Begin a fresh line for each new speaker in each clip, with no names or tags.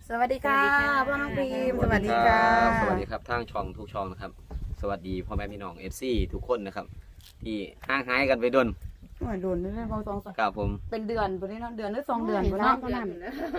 สวัสดีค่ะพ่อน้องพิมพ์สวัสดีค่ะ
สวัสดีครับทางช่องทุกช่องนะครับสวัสดีพ่อแม่พี่น้อง FC ทุกคนนะครับที่ห่างหายกันไปดน
โอ้ยโดนนี่เลยพอสอง
ครับผม
เป็นเดือนปุ่นนี้เนาะเดือนหรือ2 เดือนปุ่นเนาะประมาณ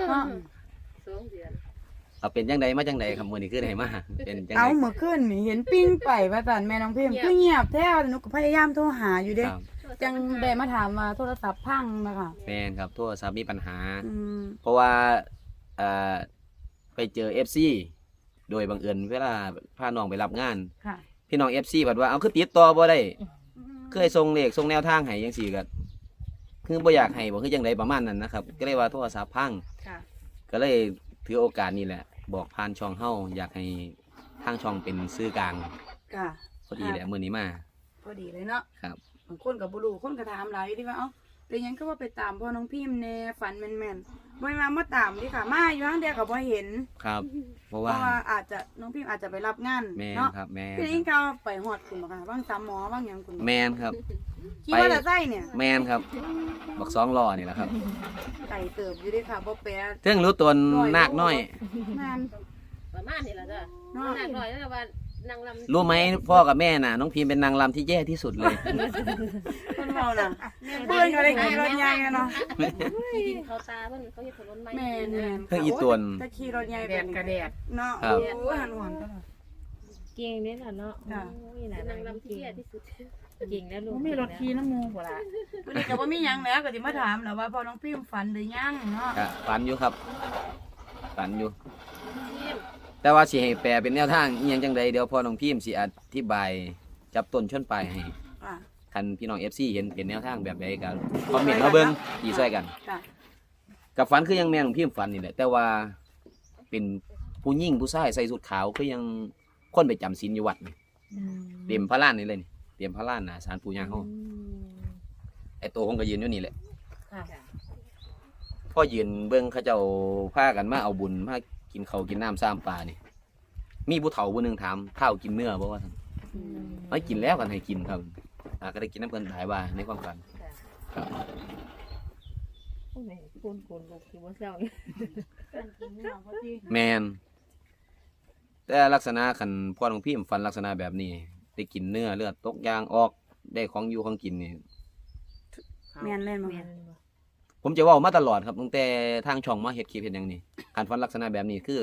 2 เดือน
เอาเป็นจังใดมาจังใดครับมื้อนี้คือได้มาเป็นจังใด
เอาเมื่อคืนนี่เห็นปิ้งไปว่าซั่นแม่น้องพิมพ์คือเงียบแท้หนูก็พยายามโทรหาอยู่เด้
ครับ
จังได้มาถามว่าโทรศัพท์พังนะคะ
แม่นครับโทรศัพท์มีปัญหา
อืม
เพราะว่าเอ่อไปเจอ FC โดยบังเอิญเวลาพาน้องไปรับงาน
ค่ะ
พี่น้อง FC บัดว่าเอาคือติดต่อบ่ได้เคยส่งเลขส่งแนวทางให้จังซี่ก็คือบ่อยากให้บ่คือจังไดประมาณนั้นนะครับก็เลยว่าโทรศัพท์พัง
ค่ะ
ก็เลยถือโอกาสนี้แหละบอกผ่านช่องเฮาอยากให้ทางช่องเป็นสื่อกลาง
ค่ะ
พอดีแหละมื้อนี้มา
พอดีเลยเนาะ
ครับ
บางคนก็บ่รู้คนก็ถามหลายอยู่ที่ว่าเอ้าเป็นหยังก็ว่าไปตามพ่อน้องพิมพ์แน่ฝันแม่นๆบ่มาตามดิค่ะมาอยู่ทางเดียวก็บ่เห็น
ครับ เพราะ
เพ
ว่า
ราะว่าอาจจะน้องพิมพ์อาจจะไปรับงาน
แม่น
เนาะ
ครับแม่น
พี่
ค
อิ
รั
ง
บ
เขาไปหอดคุณบ่ค่ะบ้าง3 หมอบ้างหยังคุณบ่
แม่นครับ
ขี่มอเตอร์ไซค์เนี่ย
แม่นครับบักสองล้อนี่แหละครับ
ไก่เติบอยู่เด้วยค่ะบ่แปะ
เทิงรู้ตนนาคน้อย
แม่น
ประมาณนี้ล่ะจ้ะ
เนาะ
หนักหน่อยแล้วว่านางลำ
รู้ไหมพ่อกับแม่น่ะน้องพิมเป็นนางรำที่แย่ที่สุดเลย
เพิ่นเมาน่ะเพิ่นก็ได้ขี่รถใหญ่อะเนาะ
ดินเขาตาเพิ่นเขาเฮ็ดถนนใหม่
แม่นแม่น
เพิ่งอีตวน
จะขี่รถใหญ่
แดดกระแดด
เนาะ
ครับ
โอ้ยหันหวนตลอด
เก่งเนี่ยค่ะเนาะ
จ้ะ
โอ้ยหลาน
นางลำที่แย่ที่สุด
เก่งแล้วลูก
บ่มีรถขี่น้ำมูบ่ล่ะ
วันนี้ก็บ่มีหยังแล้วก็สิมาถามแหล้วว่าพ่อน้องพิมฝันหรือยังเนาะ
ก็ฝันอยู่ครับฝันอยู่ แต่ว่าสิให้แปลเป็นแนวทางอีหยังจังใดเดี๋ยวพ่อน้องพิมสิอธิบายจับต้นชนปลายให้
ค่ะ
คันพี่น้อง FC เห็นเป็นแนวทางแบบใดก็คอมเมนต์มาเบิ่งอีช่วยกัน
ค่ะ
กับฝันคือยังแม่น้องพิมฝันนี่แหละแต่ว่าเป็นผู้หญิงผู้ชายใส่สุดขาวคือยังคนไปจำศีลอยู่วัดนี่
อืม
เตรียมพระล้านนี่เลยนี่เตรียมพระล้านน่ะศาลปู่ย่าเฮา
อืม
ไอ้ตัวผมก็ยืนอยู่นี่แหละ
ค่ะ
พ่อยืนเบิ่งเขาเจ้าพากันมาเอาบุญมากินข้าวกินน้ำซ้ำปลานี่มีผู้เฒ่าผู้หนึงถามข้าวกินเนื้อบ่ว่าซั่น
อืม
ไม่กินแล้วกันให้กินครับก็ได้กินน้ำเพิ่นหลายว่าในความฝันครับ
โอ้ยคุณลูกคือว่าเศร้าเนี่ย
แมนแต่ลักษณะคันพ่อของพี่ฝันลักษณะแบบนี้ได้กินเนื้อเลือดตกยางออกได้ของอยู่ของกินนี่
แม่นเล่นบ่
แม่
คะ
นบ่
ผมจะเว่ามาตลอดครับตั้งแต่ทางช่องมาเฮ็ดคลิปเฮ็ดหยังนี่การฝันลักษณะแบบนี้คือ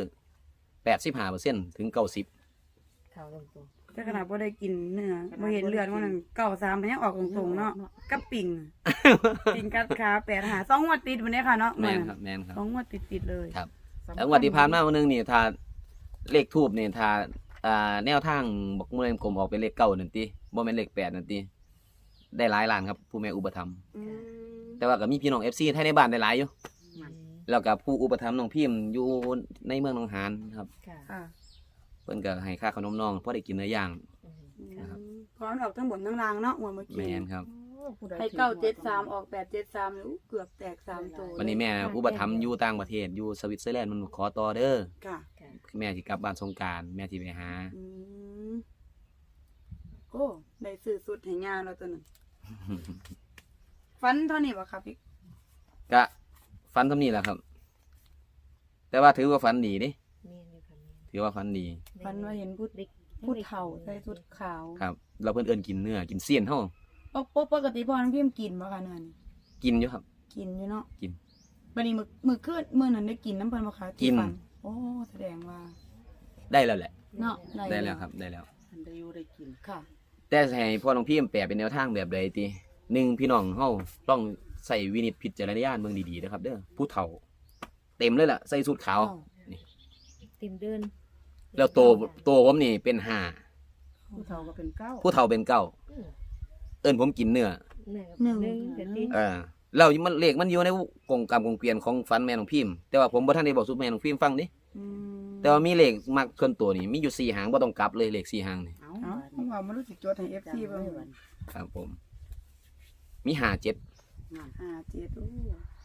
85%ถึง90
เข้าตรง
แต่ขนาดบ่ได้กินเนื้อบ่เห็นเลือดว่านั่น93มันยังออกตรงๆเนาะกับปิ่งปิ่งกัดขา85 2 งวดติดวันนี้ค่ะเนาะ
แม่นครับแม่นครับ
2 งวดติดๆเลย
ครับ แล้วงวดที่ผ่านมาวันนึงนี่ถ้าเลขทูบนี่ถ้าแนวทางบอกมูลนิธิกลมออกเป็นเลข9นั่นติบ่แม่นเลข8นั่นติได้หลายล้านครับผู้แม่อุปถัมภ์
อืม
แต่ว่าก็มีพี่น้อง FC ไทยในบ้านได้หลายอยู่
ๆอืม
แล้วก็ผู้อุปถัมภ์น้องพิมพ์อยู่ในเมืองหนองหานครับ
ค่ะ
ค่ะ
เพิ่นก็ให้ค่าขนมน้องพอได้กินเนื้อย่าง
อืม
นะครับ
พร้อมออกทั้งบนทั้งล่างเนาะงวดเมื่อ
แม
กี้
นครับ
ให้973ออก873นี่เกือบแตก3ตัว
วันนี้แม่อุปถัมภ์อยู่ต่างประเทศอยู่สวิตเซอร์แลนด์มันขอต่อเด้อ
ค่ะ
แม่สิกลับบ้านสงกรานต์แม่สิไปหา
อืมโอ้ได้ซื้อสุดให้ย่าแล้วตัวนึงฟันเท่านี้บ่ครับพี่
ก็ฝันทำนี่แหละครับ แต่ว่าถือว่าฝันดีเด้
แม่นอยู่ค่ะแม่น
ถือว่าฝันดี
ฟันว่าเห็นผู้
เด็ก
ผู้เฒ่าใส่ชุดขาว
ครับเราเพิ่นเอิ้นกินเนื้อกินเสี้ยนเฮา
ปกติพ่อน้องพิมกินบ่คะเนื้อนี่
กินอยู่ครับ
กินอยู่เนาะ
กิน
บัดนี้มื้อคืนมื้อนั้นได้กินน้ำเพิ่นบ่คะที่
กิน
ฟัโอ้แสดงว่า
ได้แล้วแหละ
เนาะ
ได้แล้วครับได้แล้ว
อันได้อยู่ได้กิน
ค่ะ
แต่ให้พ่อน้องพิมพ์แปลเป็นแนวทางแบบใดติหนึ่งพี่น้องเฮาต้องใส่วินิจพิจารณญาณเบิ่งดีๆนะครับเด้อผู้เฒ่า เต็มเลยล่ะใส่สูทขาว
เต็มเดิน
แล้วโตผมนี่เป็นห้า
ผู้เฒ่าก็เป็นเก้า
ผู้เฒ่าเป็นเก้าเอิ้นผมกินเนื้อ
หนึ่งเดี๋ยวนี้
แล้วมันเลขมันอยู่ในกงกรรมกงเกวียนของฝันแม่น้องพิมพ์แต่ว่าผมบ่ทันได้บอกสุแม่น้องพิมพ์ฟังดิ
อืม
แต่ว่ามีเลขมักส่วนตัวนี่มีอยู่4หางบ่ต้องกลับเลยเลข4หางนี่
เอา
เอ้าผมว่ามันรู้สึกจดให้ FC เบิ่ง
ครับผม มี5 7
57โอ้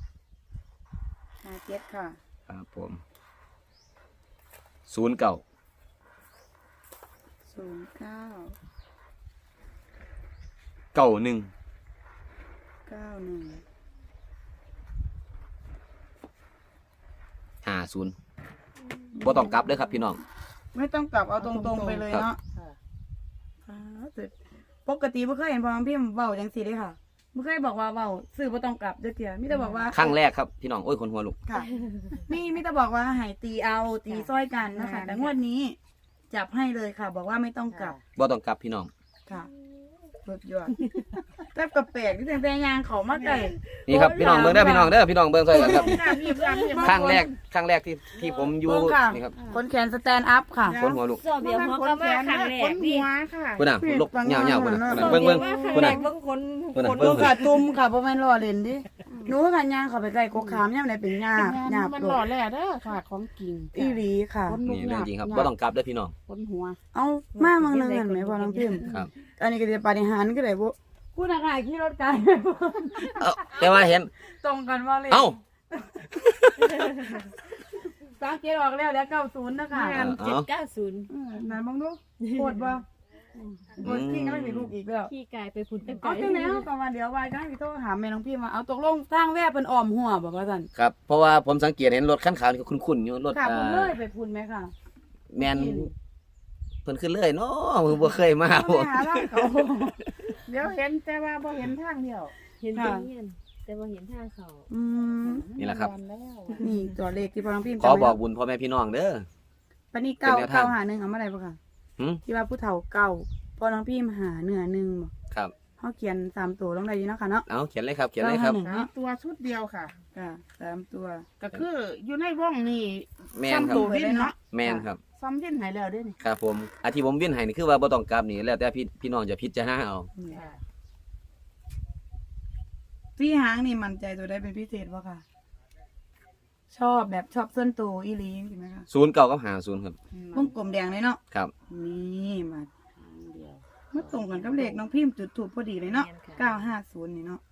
57ค่ะ
ครับผม09
09
91
91
50 บ่ต้องกลับเด้อครับพี่น้อง
ไม่ต้องกลับเอาตรงๆไปเลยเนาะ
ค่ะ
ปกติบ่เคยเห็นพ่อน้องพิมพ์เว้าจังซี่เลยค่ะบ่เคยบอกว่าเว้าซื้อบ่ต้องกลับจักเทื่อมีแต่บอกว่า
ครั้งแรกครับพี่น้องโอ้ยคนหัวลุก
ค่ะมีแต่บอกว่าให้ตีเอาตีซ้อยกันนะคะแต่งวดนี้ จับให้เลยค่ะ บอกว่าไม่ต้องกลับ
บ่ต้องกลับพี่น้อง
ค่ะสุดยอดแต่กระแปลกที่แต่ยางเขามาไก่
นี่ครับพี่น้องเบิ่งเด้อพี่น้องเด้อพี่น้องเบิ่งซอยกันครับ
รีบๆรีบ
ครั้งแรกที่ผมอยู่
เบิ่งค่ะ
นี่ครับ
คนแขนสแตนด์อัพค่ะ
คนหัวลุก
สอบเดียวหัวก็มาครั้งแร
ค
ก
น
นี่
หัวค่ะ
พุ่นน่ะลุกเหยาวๆพุ่นน่ะ
เออ
เบิ่งพุ่นน่ะ
เบิ่งคน
พุ่นน่ะ
คน
เบิ่ง
ค่ะตุ่มค่ะเพราะมันรอเล่นดิหนูกันยางเขาไปไก่กกขามยามไหนเป็นหญ้าหญ้า
มัน
โด
หล่อ
ด
แหล่เด้อค่ะของจริง
อีหลีค่ะ
นี่เรื่องจริงครับบ่ต้องกลับเด้อพี่น้อง
คนหัว
เอามาเมืองนึงเห็นไหมพ่อน้องพิมพ์
ครับ
อันนี้ก็จะปาฏิหาริย์ก็ได้บ่พูดอะไรขี่รถไกล
เอ้าแต่ว่าเห็น
ตรงกันว่าเลย
เอ้า
สังเกตออกแล้ว90นะคะ
เอ้า
790
นั่นมองดูปวดบ่ปวดที่ก็ไม่มีลูกอีกแล้ว
ขี้กายไปพุ่นไปไกล
เอาจังแล้วก็ว่าเดี๋ยววายก็ให้พี่โทรหาแม่น้องพี่มาเอาตกลงสร้างแว่เป็นอ้อมหัวบอกว่าซั่น
ครับเพราะว่าผมสังเกตเห็นรถคันขาวนี่ก็คุ้นๆอยู่รถ
ค่ะผมเลยไปพูนไหมค่ะ
แม่นเพิ่นขึ้นเลยเนาะมือบ่เคยมา
เอา
บ่
ไปหาร่างเขา
เดี๋ยวเห็นแต่ว่าบ่เห็นทางเดียว
เห็นเป็นเงี้ยแต่ว่าเห็นท่าเขา
อืม
นี่แหละครับ
แล้ว
นี่ตัวเลขที่พ่อน้องพี่
ขอบอกบุญพ่อแม่พี่น้องเด้อ
ปานนี้
เป็นแนวทาง
เก้าหาหนึ่งเอามาได้บ่ค่ะ
หึ
ที่ว่าผู้เฒ่าเก่าพ่อน้องพี่หาเนื้อหนึ่งบ่
ครับ
เฮาเขียน3ตัวลงได้อยู่เนาะค่ะเนาะ
เอาเขียนเลยครับเขียนเลยครับ
951เนาะ
ตัวชุดเดียวค่ะ
ค่ะ3ตัว
ก็คืออยู่ในวงนี่
แม่นครับ
ซ้ำตัววินเนาะ
แม่นครับ
ซ้ำวินให้แล้วเด้อนี่
ครับผมอาที่ผมเวียนให้นี่คือว่าบ่ต้องกลับนี่แล้วแต่พี่น้องจะพิจารณาเอา
ค่ะ
พี่หางนี่มั่นใจตัวได้เป็นพิเศษบ่ค่ะ ชอบแบบชอบส่วนตัวอีหลีจริงไหมคะ
09กับ50ครับ
วงกลมแดงเลยเนาะ
ครับ
นี่มา
หางเดียว
มาตรงกันกับเลขน้องพิมพ์จุดถูกพอดีเลยเนาะ950นี่เนาะ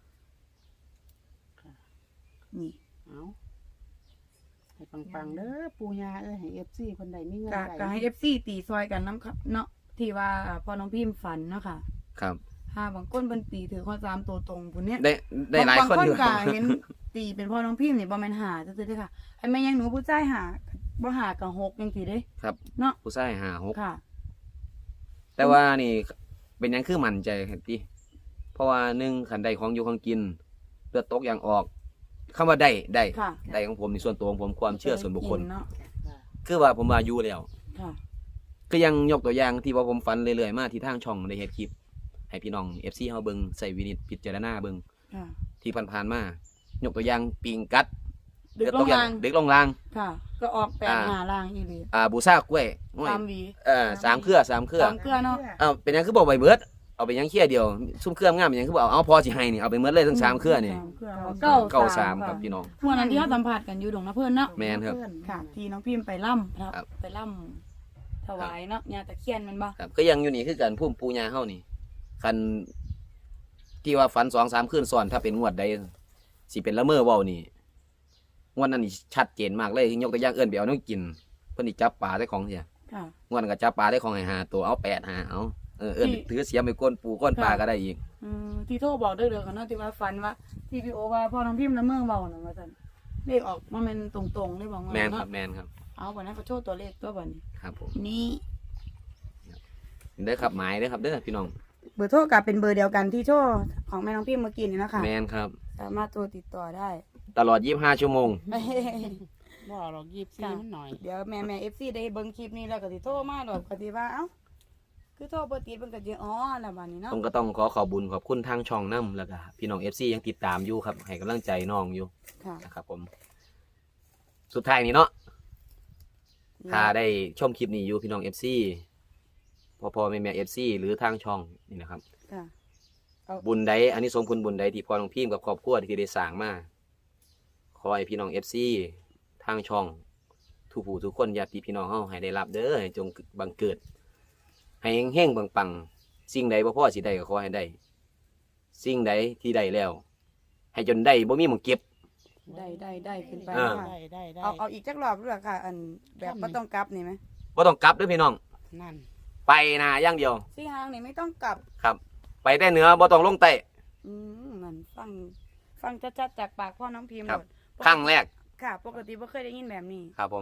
นี่
เอาให้ปังๆเด้อปู่ย่าเอ้ยให้ FC คนใดมีเงิน
ก็
ใส่
ก็ให้ FC ตีซอยกันน้ำครับเนาะที่ว่าพอน้องพิมพ์ฝันเนาะค่ะ
ครับ
ถ้าบางคนเป็นตีถือข้อ3ตัวตรงพุ่นเนี้ย
ได้หลายคนอยู่
บางก็เห็นตีเป็นพ่อน้องพิมพ์นี่บ่แม่นหาซื่อๆเด้อค่ะไอ้แม่ยังหนูผู้ชายหาบ่หากับ6จังซี่เด้
ครับ
เนาะ
ผู้ชาย56
ค่ะ
แต่ว่านี่เป็นหยังคือมั่นใจครับพี่เพราะว่า1คันใดของอยู่ของกินเลือดตกอย่างออกคำว่าได้
ค่ะ
ได้ของผมนี่ส่วนตัวของผมความเชื่อส่วนบุคคล
เนาะ
คือว่าผมว่าอยู่แล้ว
ค่ะ
ก็ยังยกตัวอย่างที่ว่าผมฝันเรื่อยๆมาที่ทางช่องได้เฮ็ดคลิป ให้พี่น้อง FC เฮาเบิ่งใส่วินิจพิจารณาเบิ่ง
ค่ะ
ที่ผ่านๆมายกตัวอย่างปิงกัด
ดึกลง
อย่า
ลาง
เด็กลงราง
ค่ะ ก็ออกแปลงหาล่างอีหลี
บูซ่ากล้วยโอ้ย
ตามหวี
3เครือ3เครือ
สามเครือเนาะ
เป็นหยังคือบ่ใบเบิดเอาไปหยังเคี่ยเดียวซุ่มเครืองามเป็นหยังคือบ่เอาพอสิให้นี่เอาไปหมดเลยทั้ง3เครือนี่
สามเครือ
เก้าสามครับพี่น้อง
เมื่อนั้นที่เขาสัมผัสกันอยู่ดงนะเพื่อนเนาะ
แม่นครับ
ค่ะ ที่น้องพิมพ์ไปล่ำครับ
ครับ
ไปล่ำถวายเนาะญาตะเคียนแมันบ่
ครับก็ยังอยู่นี่คือกันพุ่มปูญาเฮานี่คันที่ว่าฝัน2-3คืนซ้อนถ้าเป็นงวดใดสิเป็นละเมอเว้านี่งวดนั้นนี่ชัดเจนมากเลยยกตัวอย่างเอิ้นไปเอาน้ำกินเพิ่นสิจับปลาได้ของเสีย
ค่ะ
งวดนั้นก็จับปลาได้ของให้5ตัวเอา8หาเอาเอิ้นถือเสียมไปก้นปูก้นปลาก็ได้อีก
ที่โทรบอกเด้อๆกันเนาะที่ว่าฝันว่าที่พี่โอว่าพ่อน้องพิมพ์ละเมืองเบาน่ะว่าซั่นเลขออกมาเป็นตรงๆเลยบอกว่า
แม่นค
เนาะ
รับแม่นครับ
เอาบ่นั้นก็โชว์ตัวเลขตัวบัดนี้
ครับผม
นี่
ได้อครับหมายเด้อครับเด้อพี่น้อง
เบอร์โทรกับเป็นเบอร์เดียวกันที่โชว์ของแม่น้องพิมพ์เมื่อกี้นี่นะคะ
แม่นครับ
สามารถโทรติดต่อได้
ตลอด25ชั่วโมง
บ่หรอก24มันหน่อย
เดี๋ยวแม่ FC ได้เบิ่งคลิปนี้แล้วก็สิโทรมาดอกก็สิว่าเอ้าคือโทรบ่ติดเพิ่นก็สิอ๋อแล้วบัดนี้เนาะ
ผมก็ต้องขอขอบบุญขอบคุณทางช่องน้ำแล้วก็พี่น้อง FC ยังติดตามอยู่ครับให้กำลังใจน้องอยู่
ค่ะ
นะครับผม สุดท้ายนี้เนาะถ้าได้ชมคลิปนี้อยู่พี่น้อง FC พ่อแม่ FC หรือทางช่องนี่นะครับ
ค่ะ
บุญใดอันนี้สมผลบุญใดที่พ่อน้องพิมพ์กับครอบครัวที่ได้สร้างมาขอให้พี่น้อง FC ทางช่องทุกผู้ทุกคนญาติพี่น้องเฮาให้ได้รับเด้อให้จงบังเกิด ให้เฮงๆปังๆสิ่งใดบ่พอสิได้ก็ขอให้ได้ สิ่งใดที่ได้แล้ว ให้จนได้บ่มีหม้องเก็บ
ได้ขึ้นไป
อ่า
ค่ะ
ได้
เอาอีกจักรอบด้วยค่ะ อันแบบบ่ต้องกลับนี่ไหม
บ่ต้องกลับเด้อพี่น้อง
นั่น
ไปนาอย่างเดียว
สี่หางนี่ไม่ต้องกลับ
ครับ ไปแต่เหนือบ่ต้องลงใต้
นั่นฟังชัดๆจากปากพ่อน้องพิมพ์
ครับ
หมด
ครั้งแรก
ค่ะ ปกติบ่เคยได้ยินแบบนี้
ครับผม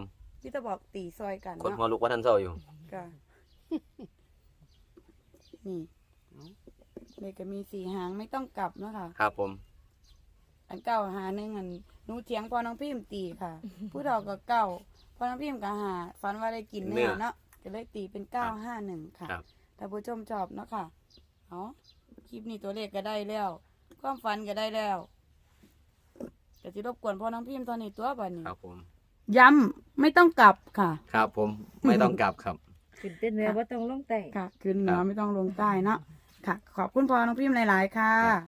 พี่จะบอกตีซอยกัน
คน
เนาะ
หัวลุกว่าท่านเศร้าอยู่
ก็นี่เลขก็มี4 หางไม่ต้องกลับเนาะค่ะ
ครับผม
อันเก้าหาหนึ่งอันหนูเถียงพอน้องพิมพ์ตีค่ะ ผู้เฒ่าก็เก้าพอน้องพิมพ์ก็หาฝันว่าได้กินเนื้อเนาะก็เลยตีเป็น951ค่ะ
ครับ
ถ้าผู้ชมชอบเนาะค่ะเอาคลิปนี้ตัวเลขก็ได้แล้ว ความฝันก็ได้แล้วก็จะรบกวนพอน้องพิมพ์ตอนนี้ตัวบัดนี้
ครับผม
ย้ำไม่ต้องกลับค่ะ
ครับผมไม่ต้องกลับครับ
ขึ้นเต้นเนื้อว่าต้องลงแต่
ค่ะขึ้นเหนือไม่ต้องลงใต้เนาะค่ะ ขอบคุณพอน้องพิมพ์หลาย ๆ ค่ะ